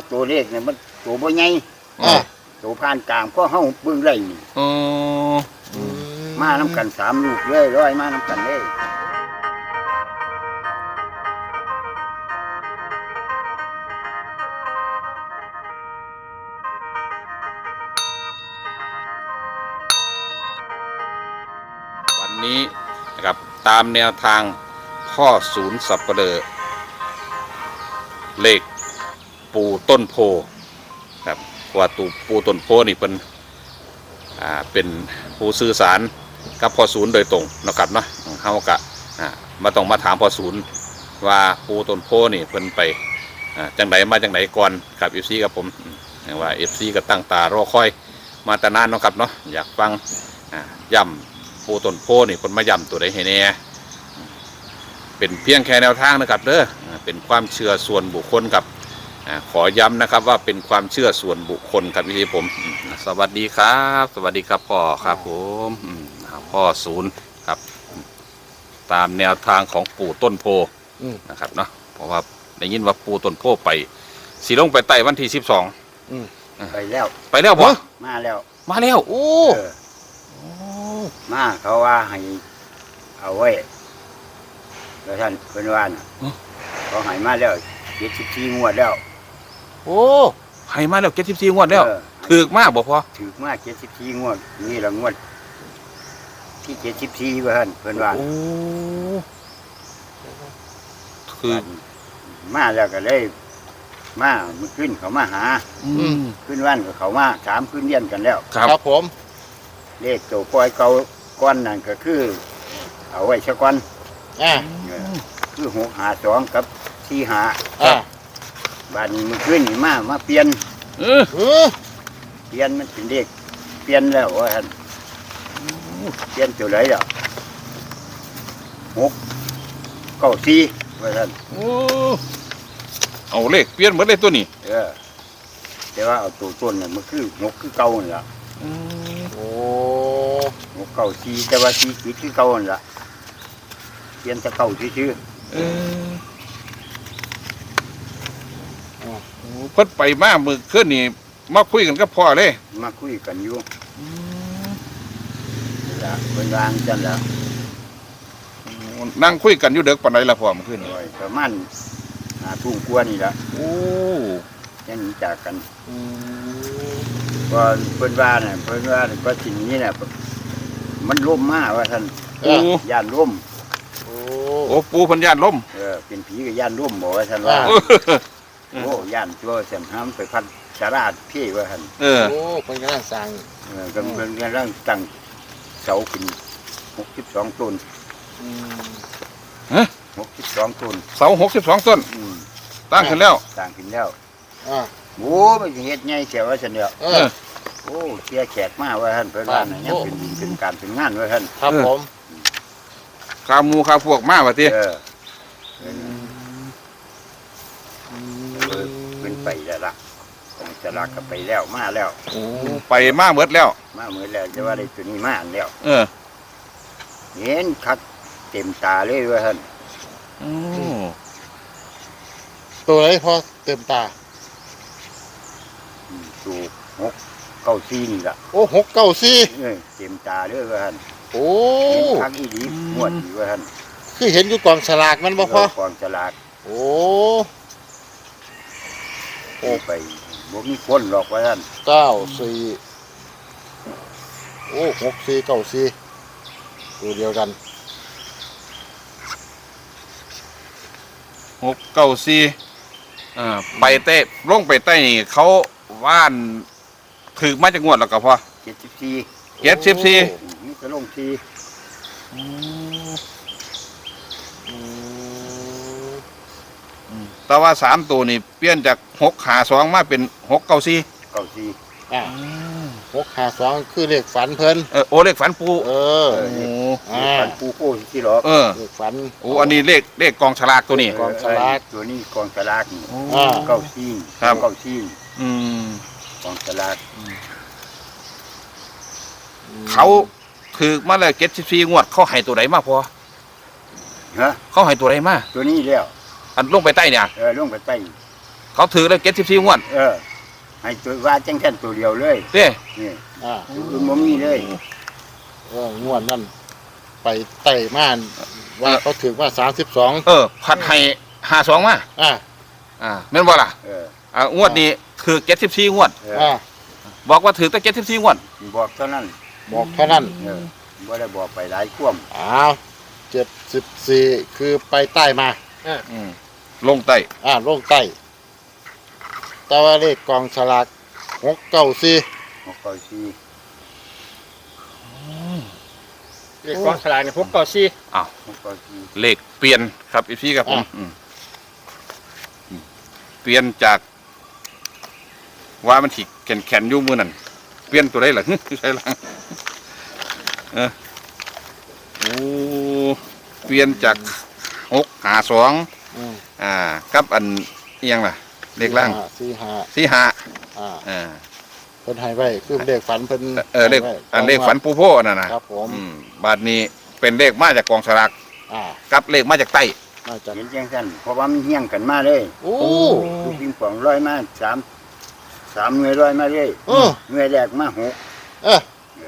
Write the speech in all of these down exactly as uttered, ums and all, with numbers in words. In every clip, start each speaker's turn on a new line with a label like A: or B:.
A: ตัวเลขเนี่ยมันตัวบ่ใหญ่
B: อ่า
A: ตัวผ่านกลางก็เฮาเบิ่งได้นี่
C: อ๋อ
A: มานํกันสามลูกเลยร้อยมานํกันเลย
C: วันนี้นะครับตามแนวทางพ่อศูนย์สับปะเลอเลขปูต้นโพครับว่าตูปูต้นโพนี่เป็นอ่าเป็นผู้สื่อสารกับพ่อศูนย์โดยตรงนะครับเนาะเฮากะอ่ามาต้องมาถามพ่อศูนย์ว่าปูต้นโพนี่เพิ่นไปอ่าจังไดมาจังไดก่อนกับ เอฟ ซี กับผมว่า เอฟ ซี ก็ตั้งตารอคอยมาแต่นานเนาะครับเนาะอยากฟังอ่าย่ำปูต้นโพนี่เพิ่นมาย่ำตัวใดให้แน่เป็นเพียงแค่แนวทางนะครับเด้อเป็นความเชื่อส่วนบุคคลกับขอย้ำนะครับว่าเป็นความเชื่อส่วนบุคคลครับพี่ผมสวัสดีครับสวัสดีครับพ่อครับผมพ่อศูนย์ครับตามแนวทางของปู่ต้นโพนะครับเนาะเพราะว่าได้ยินว่าปู่ต้นโพไปสีลงไปไต่วันที่สิบสอง
A: ไปแล้ว
C: ไปแล้วพ่อ
A: มาแล้ว
C: มาแล้วโอ้
A: มาเขาว่าให้เอาไว้แล้วท่านเพิ่นว่าน่ะเขาให้มาแล้วเจ็ดสิบสี่งวดแล้ว
C: โอ้ให้มาแล้วเจ็ดสิบสี่งวดแล้วถือมากบ่พ่อ
A: ถือมาเจ็ดสิบสี่งวดนี่ละงวดที่เจ็ดสิบสี่เพิ่นเพิ่นว่า
C: โอ้คือ
A: มาแล้วก็เลยมาเมื่อขึ้นเขามาหา
C: อืม
A: ขึ้นวันก็เขามาสามขึ้นเรียนกันแล้ว
C: ครับ
B: ครับผม
A: เลขตัวปล่อยเก่าก้อนนั่นก็คือ เอาไว้สักก้อน
B: อ่า
A: เออคือหกหาสองกับสี่หา
B: อ่า
A: บ้านนี้เมื่อคืนนี่มามาเปลี่ยน
C: เออ
B: เออ
A: เปลี่ยนมันเป็นเลขเปลี่ยนแล้วว่าท่านเปลี่ยนตัวไหนอ่ะหกเก้าสี่ว่าท่าน
C: โอ้เอาเลขเปลี่ยนหมดเลยตัวนี้
A: เออแต่ว่าเอาตัวต้นเนี่ยมันคือหกคือเก่านี่ละ
B: โอ้
A: หกเก้าสี่แต่ว่าสี่ขีดคือเก่านี่ละเปลี่ยนแต่เก่าชื่อ
C: เออเพิ่นไปมามือขึ้นนี่มาคุยกันกับพ่อเลย
A: ๆมาคุยกันอยู่นี่ละเป็นวางจันละ
C: นั่งคุยกันอยู่เด็กปานใดล่ะพ่อเมื่อคืนนี่
A: โอ้ยประมาณหาทุ่งกว่านี่ละ
C: โอ้
A: ยังหนีจากกัน
B: อืม
A: ก็เพิ่นว่าเนี่ยเพิ่นว่าเนี่ยก็สิ่งนี้เนี่ยมันล่มมากว่าท่าน
C: โอ้
A: ย่านล่ม
B: โอ้
C: โอ้ปูเพันยานล้ม
A: เออเป็นผีกับย่านล่มบอกว่าท่านว่า
C: เออ
A: โอ้ย่านตัวเสียนห้ามไปพัดสาราดพี่ว่าท่าน
C: เออ
B: โอ้เป็นกำลังสั่ง
A: เออกำลังกำลังตั้งเสาขึ้นหกสิบสองต้น
B: อืม
A: หกสิบสองต้น
C: เสาหกสิบสองต้น
A: อืม
C: ตั้งขึ้นแล้ว
A: ตั้งขึ้นแล้ว
B: อ่า
A: โอ้ไม่ใช่เฮ็ดไงเสียว่าฉันเดียว
B: เอ
C: เอ
B: อ
C: อ
A: โอ้เสียแขกมากว่าท่านเพิ่นว่าน่ะยังเป็นเป็นการเป็นงานว่าท่าน
B: ครับผม
C: ข้าวหมูข้าวพวกมาว่าติ
A: เออ
B: อืม
A: เออเป็นไปแล้วล่ะของสลากก็ไปแล้วมาแล้ว
C: โอ้ไปมาเบิดแล้ว
A: มาเหมือนแล้วจะว่าได้ตัวนี้มาอันแล้ว
C: เออ
A: เห็นคักเต็มตาเลยว่าท่าน
C: โอ้
B: ตัวไหนพอเต็มตา
A: อืมสูกหกเก้าซีนี่ล่ะ
B: โอ้หกเก้าสี่
A: เออเต็มตาเลยว่าท่าน
B: โอ้
A: เห็นคักอีดีหมวดอยู่ว่าท่าน
B: คือเห็นอยู่กองฉลากมันบ่พอ
A: กองสลาก
B: โอ้
A: โอ้ไปบ่มีคนหรอกว่าท่าน
B: เก้าสี่โอ้หกสี่เก้าสี่ตัวเดียวกัน
C: หกเก้าสี่อ่าไปเต้ลงไปใต้นี่เขาว่านถือมาจากงวดแล้วก็พอ
A: เจ็ดสิบสี่
C: เจ็ดสิบสี่
A: นี่ก็ลงที
B: อืม
C: แต่ว่าสามตัวนี่เปลี่ยนจากหกขาสองมาเป็นหกเก้าสี่
A: เก้าซี
B: อ่าหกห้าสองคือเลขฝันเพิ่น
C: เออโอเลขฝันปู
B: เออ
C: โอ้
B: อ่า
A: ปันปูโก้ที่หรอก
C: เออ
B: เลขฝัน
C: โอ้อันนี้เลขเลขกองฉลากตัวนี้
B: กองสลาก
A: ตัวนี้กองสลากนี่
B: อ่า
A: เก้าซี
C: ครับ
A: เก้าซี
C: อืม
A: กองสลาก
C: เขาถือมาแล้วเจ็ดสิบสี่งวด เขาให้ตัวไหนมาพอ
A: ฮะ
C: เขาให้ตัวไหนมา
A: ตัวนี้แล้ว
C: อันลงไปใต้เนี่ย
A: เออลงไปใต้
C: เขเขาถือเลยเจ็ดสิบสี่งวด
A: เออให้ตัวว่าจังแค่นตัวเดียวเลย
C: เด้
A: นี่
B: อ่า
A: คือบ่มีเลย
B: เอองวดนั่นไปไต่ม่านว่าเขาถือว่าสามสิบสอง
C: เออพัดให้ห้าสองมา
B: อ่า
C: อ่าแม่นบ่ล่ะ
A: เออ
C: อ่างวดนี้ถือเจ็ดสิบสี่งวด
A: เออ
B: อ่า
C: บอกว่าถือแต่เจ็ดสิบสี่งวด
A: บอกเท่านั้น
B: บอกเท่านั้น
A: เออบ่ได้บอกไปหลายความ
B: อ้าวเจ็ดสิบสี่คือไปใต้มา
C: อืมลงใต้
B: อ่าลงใต้แต่ว่าเลขกองฉลากหกเก้าสี่
A: หกเก้าสี่
D: เลขกองสลากเนี่ยพกเก่าซี่
C: อ้าว
A: หกเก้าสี่
C: เลขเปลี่ยนครับอีพี่ครับผมอืมอืมเปลี่ยนจาก ว่ามันถิแข็งแข็งอยู่มือนั่นเปลี่ยนตัวได้หรอ ใช่หรอเออโอ้เปลี่ยนจากหกหาสอง
B: อืม
C: อ่ากับอันเอียงล่ะเลขล่าง
B: สี่ห้า
C: สี่หา
B: อ่า
C: อ่า
B: เพิ่นให้ไว้คือเลขฝันเพิ่น
C: เออเลข
B: ให้ไว้
C: อันเลขฝันปูโพนั่นนะครับ
B: ผม
C: อืมบาทนี้เป็นเลขมาจากกองสลาก
B: อ่า
C: กับเลขมาจากใต้
B: น่าจะ
A: เห็นจังซั่นเพราะว่ามันเฮี้ยงกันมาเลย
B: โอ้
A: ลูกปิงปองร้อยมาสามสามหน่วยร้อยมาเลย
B: เออ
A: หน่วยแรกมาหก
B: เออบ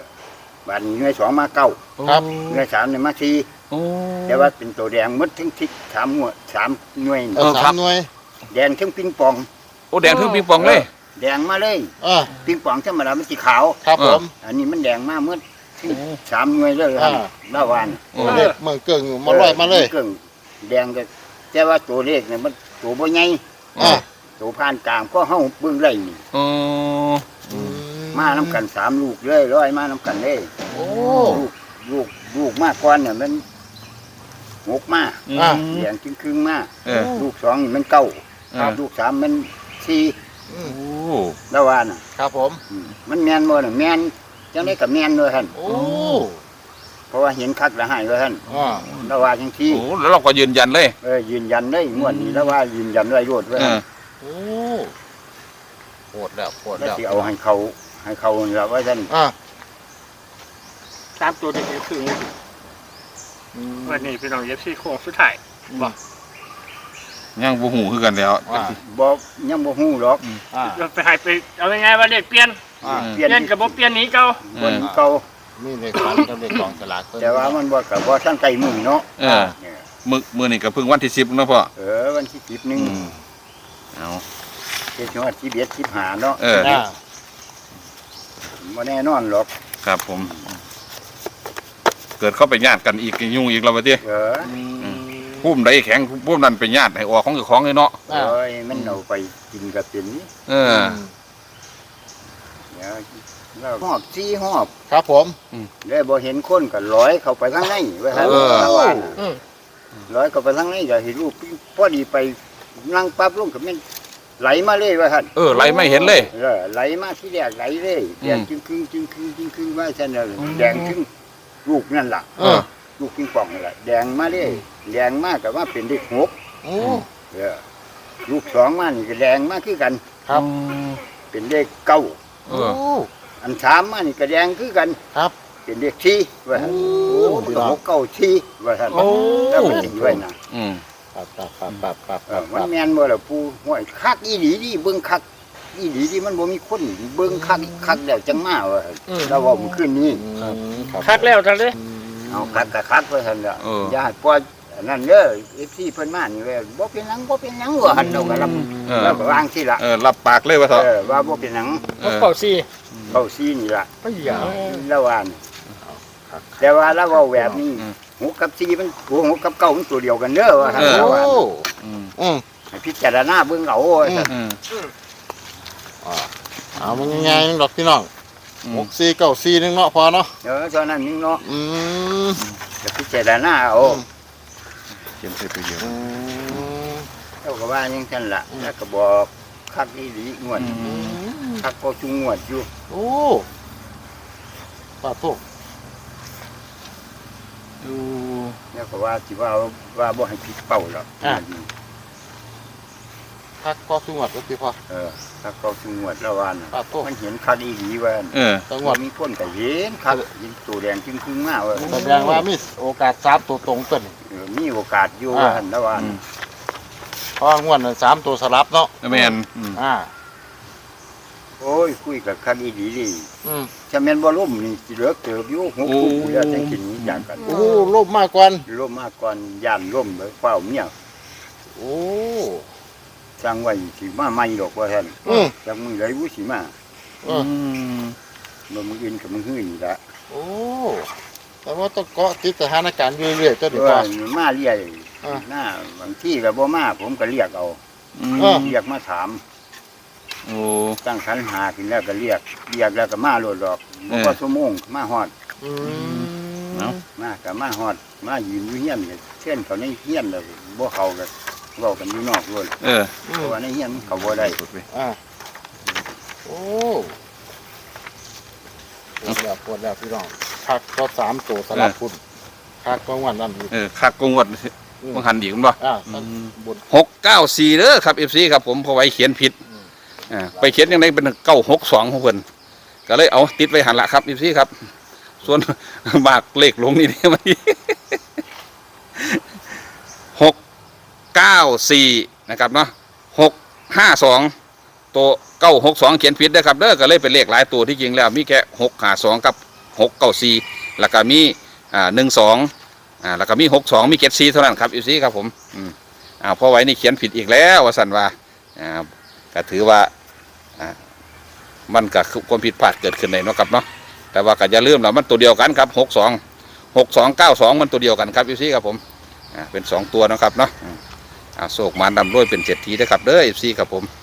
A: าดนี้หน่วยสองมาเก้า
B: ครับ
A: หน่วยสามเนี่ยมาสี่
C: โอ้
A: แต่ว่าเป็นตัวแดงหมดทั้งทิศสามหัวสามหน่วย
B: เออสามหน่วย
A: แดงทั้งปิงปอง
C: โอ้แดงถึงปิงปองเลย
A: แดงมาเลย
B: เออ
A: ปิงปองธรรมดามันสีขาว
B: ครับผม
A: อันนี้มันแดงมากเมื่อสามหน่วยเลยครับ
B: อ่า
A: เมื่อวาน
C: โอ้
B: เลขเมืองเกิงมาลอยมาเลย
A: เครื่องแดงก็แต่ว่าตัวเลขเนี่ยมันตัวบ่ใหญ่
B: อ่า
A: ตัวผ่านกลางก็เฮาเบิ่งได้นี่
C: โอ้
B: อื
A: มาน้ำกันสามลูกเลยร้อยมาน้ำกันเลย
B: โอ้
A: ลูกลูกลูกมากก่อนเนี่ยมันหกมา
B: อ่า
A: แดงครึ่งครึ่งๆมา
C: เออ
A: ลูกสองนี่มันเก้า
C: อ่า
A: ลูกสามมันสี่
B: อื
C: โอ้
B: ม
A: แล้วว่าน่ะ
B: ครับผม
A: อืมมันแม่นบ่น่ะแม่นจังได๋ก็แม่นเลยท่าน
B: โอ้
A: เพราะว่าเห็นคักละหายเลยท่าน
B: อ่า
A: แล้วว่าจังซี่
C: โอ้แล้วเราก็ยืนยันเลย
A: เออยืนยันได้งวดนี้แล้วว่ายืนยันไว้โลดไว้
C: เอ
A: ท่าน
C: อ
B: โอ้โหดแล้วโหด
A: แล้ว
B: แล้ว
A: สิเอาให้เขาให้เขาแล้วว่าท่าน
B: อ่า
D: สามตัวเด็กๆคือ
B: อืม
D: วันนี้พี่น้องเย็บซี่โค้งสุดท้าย
B: บ่
C: ยังบ่หูคือกันแล้ว
B: อ่า
A: บ่ยังบ่ฮู้หรอก
B: อ่า
D: เราไปใหายไปเอายังไงว่าเด็กเปลี่ยน
B: อ่า
A: เปลี่ยน
D: เปลี่ยนกับบ่เปลี่ยนหนี้เก่า
A: บนเก่า
B: นี่เลขฝันกับเลขกองฉลากเพิ่น
A: แต่ว่ามันบ่กับบ่ทันไกลมือเนาะ
C: เออ
A: เนี่ย
C: มือมือนี่ก็เพิ่งวันที่สิบเนาะพ่อ
A: เออวันที่สิบหนึ่ง
C: อืมเอา
A: เจ็ดจังหวัดที่เบียดสิบหาเนาะ
C: เออ
B: อ่า
A: บ่แน่นอนหรอก
C: ครับผม เกิดเข้าไปญาติกันอีกยุ่งอีกแล้ววะเจ้
A: เออ
B: อืม
C: พุ่มใดแข็งพุ่มนั้นเป็นญาติให้ออกของเจ้าของเลยเนาะ
B: อ่า
A: เอ้ยมันเอาไปกินกับเป็นนี่
C: เออ
A: เดี๋ยวเราหอบซี่หอบ
B: ครับผม
A: ได้บ่เห็นคนก็ร้อยเข้าไปข้างในไว้ให้
C: เออ
A: ชาวบ้านน่ะ
D: อืม
A: ร้อยเข้าไปข้างในก็เห็นลูกพอดีไปนั่งปั๊บลงก็แม่นไหลมาเลยว่าท่าน
C: เออไรไม่เห็นเลย
A: เออไหลมาที่แรกไหลเลย
C: อืม
A: แดงจึงครึ่งจึงครึ่งจึงครึ่งว่าฉันน่ะแดงครึ่งลูกนั่นล่ะ
B: เออ
A: ลูกปิงปองนั่นแหละแดงมาเลยแดงมากกับว่าเป็นเด็กหก
B: โอ้
A: เออลูกสองมานี่ก็แดงมากคือกัน
B: ครับ
A: เป็นเลขเก้า
C: เอ
B: โอ้
C: อ
A: อันสามมานี่ก็แดงคือกัน
B: ครับ
A: เป็นเลขที่ว่าท่าน
B: โอ้
A: โอ้มันก็หกเก้าที่ว่าท่าน
D: โอ้
A: แล้วมันตีไว้นะ
C: อืม
B: ปั๊บปั๊บปั๊บปั๊บปั๊บ
A: เอ
B: ปั๊
A: อบ มัน
B: ปั๊บ
A: แม่นบ่ล่ะปู่ห้วยคักอีหลีดิเบิ่งคักอีหลีดิมันบ่มีคนเบิ่งคักคักแล้วจังมาว่า
D: อืม
A: เราเว้ามันขึ้นนี้
B: อืมรับ
D: คักแล้วทันเลย
B: อืม
A: เอาคักก็คักว่าท่านล่ะ
C: เออ
A: อย่าให้ปล่อยอันนั้นเด้อ เอฟ ซี เพิ่นมานี่เว้ยบ่เป็นหยังบ่เป็นหยังว่าหั่นเราก็รับ
C: เออ
A: เราก็วางสิล่ะ
C: เออรับปากเลยว่าเถอะ
A: เออว่าบ่เป็นหยัง
C: เอ
D: พก
C: อ
D: เก่าซี่
A: เข้าซีนี่ล่ะ
D: ไม่เหยา
A: แล้วว่านี่
B: ครับ
A: แต่ว่าเราเว้าแบบนี้
C: อืม
A: หกกับสี่มันโอ้หกกับเก้ามันตัวเดียวกันเด้อว่าหั่น
C: เออ
A: เราว่า
B: โอ้
C: อืม
B: อืม
A: ให้พิจารณาเบิ่งเอาว่าซั่น
C: อืม
B: อ่าเอามันง่ายๆนึงดอกพี่น้อง
C: อื
B: ห
C: ม
B: กสี่เก้าสี่นึงเนาะพอเนาะ
A: เออเท่านั้นนึงเนาะ
B: อืม
A: ก็พิจารณาเอา
C: เขียนใส่ตัวเดียว
B: อืม
A: เราก็ว่าจังซั่นล่ะแล้วก็บอกคักอีหลีงวด
C: อืม
A: คักก็ชุงงวดอยู่
B: โอ้ปาดโตก
C: ดู
A: แล้วก็ว่าสิว่าว่าบ่ให้ผิดเป้าหรอก
B: พักก็สุงวดก็พี่พอ
A: เออคักก็ชุงงวดแล้วว่าน่ะ
B: ปาดโตก
A: มันเห็นคักอีหลีว่า
C: เออ
B: จังห
A: ว่า
B: วัด
A: มีคนก็เห็นครับเห็นตัวแดงจึงครึ่งมาว่า
B: แสดงว่ามีโอกาสสามตัวตรงต้น
A: เออมีโอกาสอยู่
B: อ่า
A: ว่าหั่นแล้วว่า
C: อืม
B: เพราะว่างวดนั้นสามตัวสลับเนาะ
C: แม่นอืม
B: อ่า
A: โอ้ยคุยกับคันอีดีดี
B: อืม
A: ถ้าแม่นบ่ล่มนี่สิเหลือเติบอยู่หกคู่แล้วจังกินนี้จากกัน
B: โอ้ลบมากกว่า
A: ล่มมาก่อนย่านล่มเลยเฝ้าเมีย
B: โอ้
A: สร้างไว้สิมาใหม่ดอกว่าท่าน
B: อืม
A: จังมือไหลวุสิมา
B: เอ
C: อื
B: อ
C: ม
A: บ่มึงอินกับมึงหื้อนี่ละ
B: โอ้แต่ว่าต้องเกาะติดสถานการณ์อยู่เรื่อยๆตัว
A: เพ
B: ดี
A: ราะ
B: ก
A: ว่า
B: ว่า
A: มาเรียก
B: อ่า
A: หน้าบางที่ก็บ่มาผมก็เรียกเอา
C: อืม
B: เออ
A: เรียกมาถาม
C: โอ้
A: ตั้งคันหาขึ้นแล้วก็เรียกเรียกแล้วก็มาโลดดอกบ่พอชั่วโมงมาฮอด
B: อืม
A: มาก็มาฮอดมายืนอยู่เฮียนก็เช่นเขาในเฮียนแล้วบ่เข้าก็เว้ากันอยู่นอกโลด
C: เออ
B: อื
A: เพ
B: ม
A: ราะว่าในเฮียนมันเข้าบ่ได้
B: อ่าโอ้ปวดแล้วปวดแล้วพี่น้องคักก็สามตัวสลับคุณคักก็งวดนั้นอีก
C: เออคักกงวด
B: อืม
C: บ่หันดีกันบ่
B: อ่าท่านบน
C: หกเก้าสี่เด้อครับ เอฟ ซี ครับผมเพอไว้เขียนผิด
B: อืม
C: อ่าไปเขียนยังไงเป็นเก้าหกสองของเพิ่นก็เลยเอาติดไว้หันละครับ เอฟ ซี ครับ ส่วน บากเลขลงนี่นี่มันหกเก้าสี่นะครับเนาะหกห้าสองตัวเก้าหกสองเขียนผิดเด้อครับเด้อก็เลยเป็นเลขหลายตัวที่จริงแล้วมีแค่หกห้าสองกับหกเก้าสี่แล้วก็มีอ่าหนึ่งสองอ่าแล้วก็มีหกสองมีเจ็ดสี่เท่านั้นครับ เอฟ ซี ครับผมอืมอ่าพอไว้นี่เขียนผิดอีกแล้วว่าสันว่าอ่าก็ถือว่าอ่ามันก็คือความผิดพลาดเกิดขึ้นในเนาะครับเนาะแต่ว่าก็อย่าลืมแล้วมันตัวเดียวกันครับหกสองหกสองเก้าสองมันตัวเดียวกันครับ เอฟ ซี ครับผมอ่าเป็นสองตัวเนาะครับเนาะอืมอ่าโศกมารดำรวยเป็นเศรษฐีนะครับเด้อ เอฟ ซี ครับผม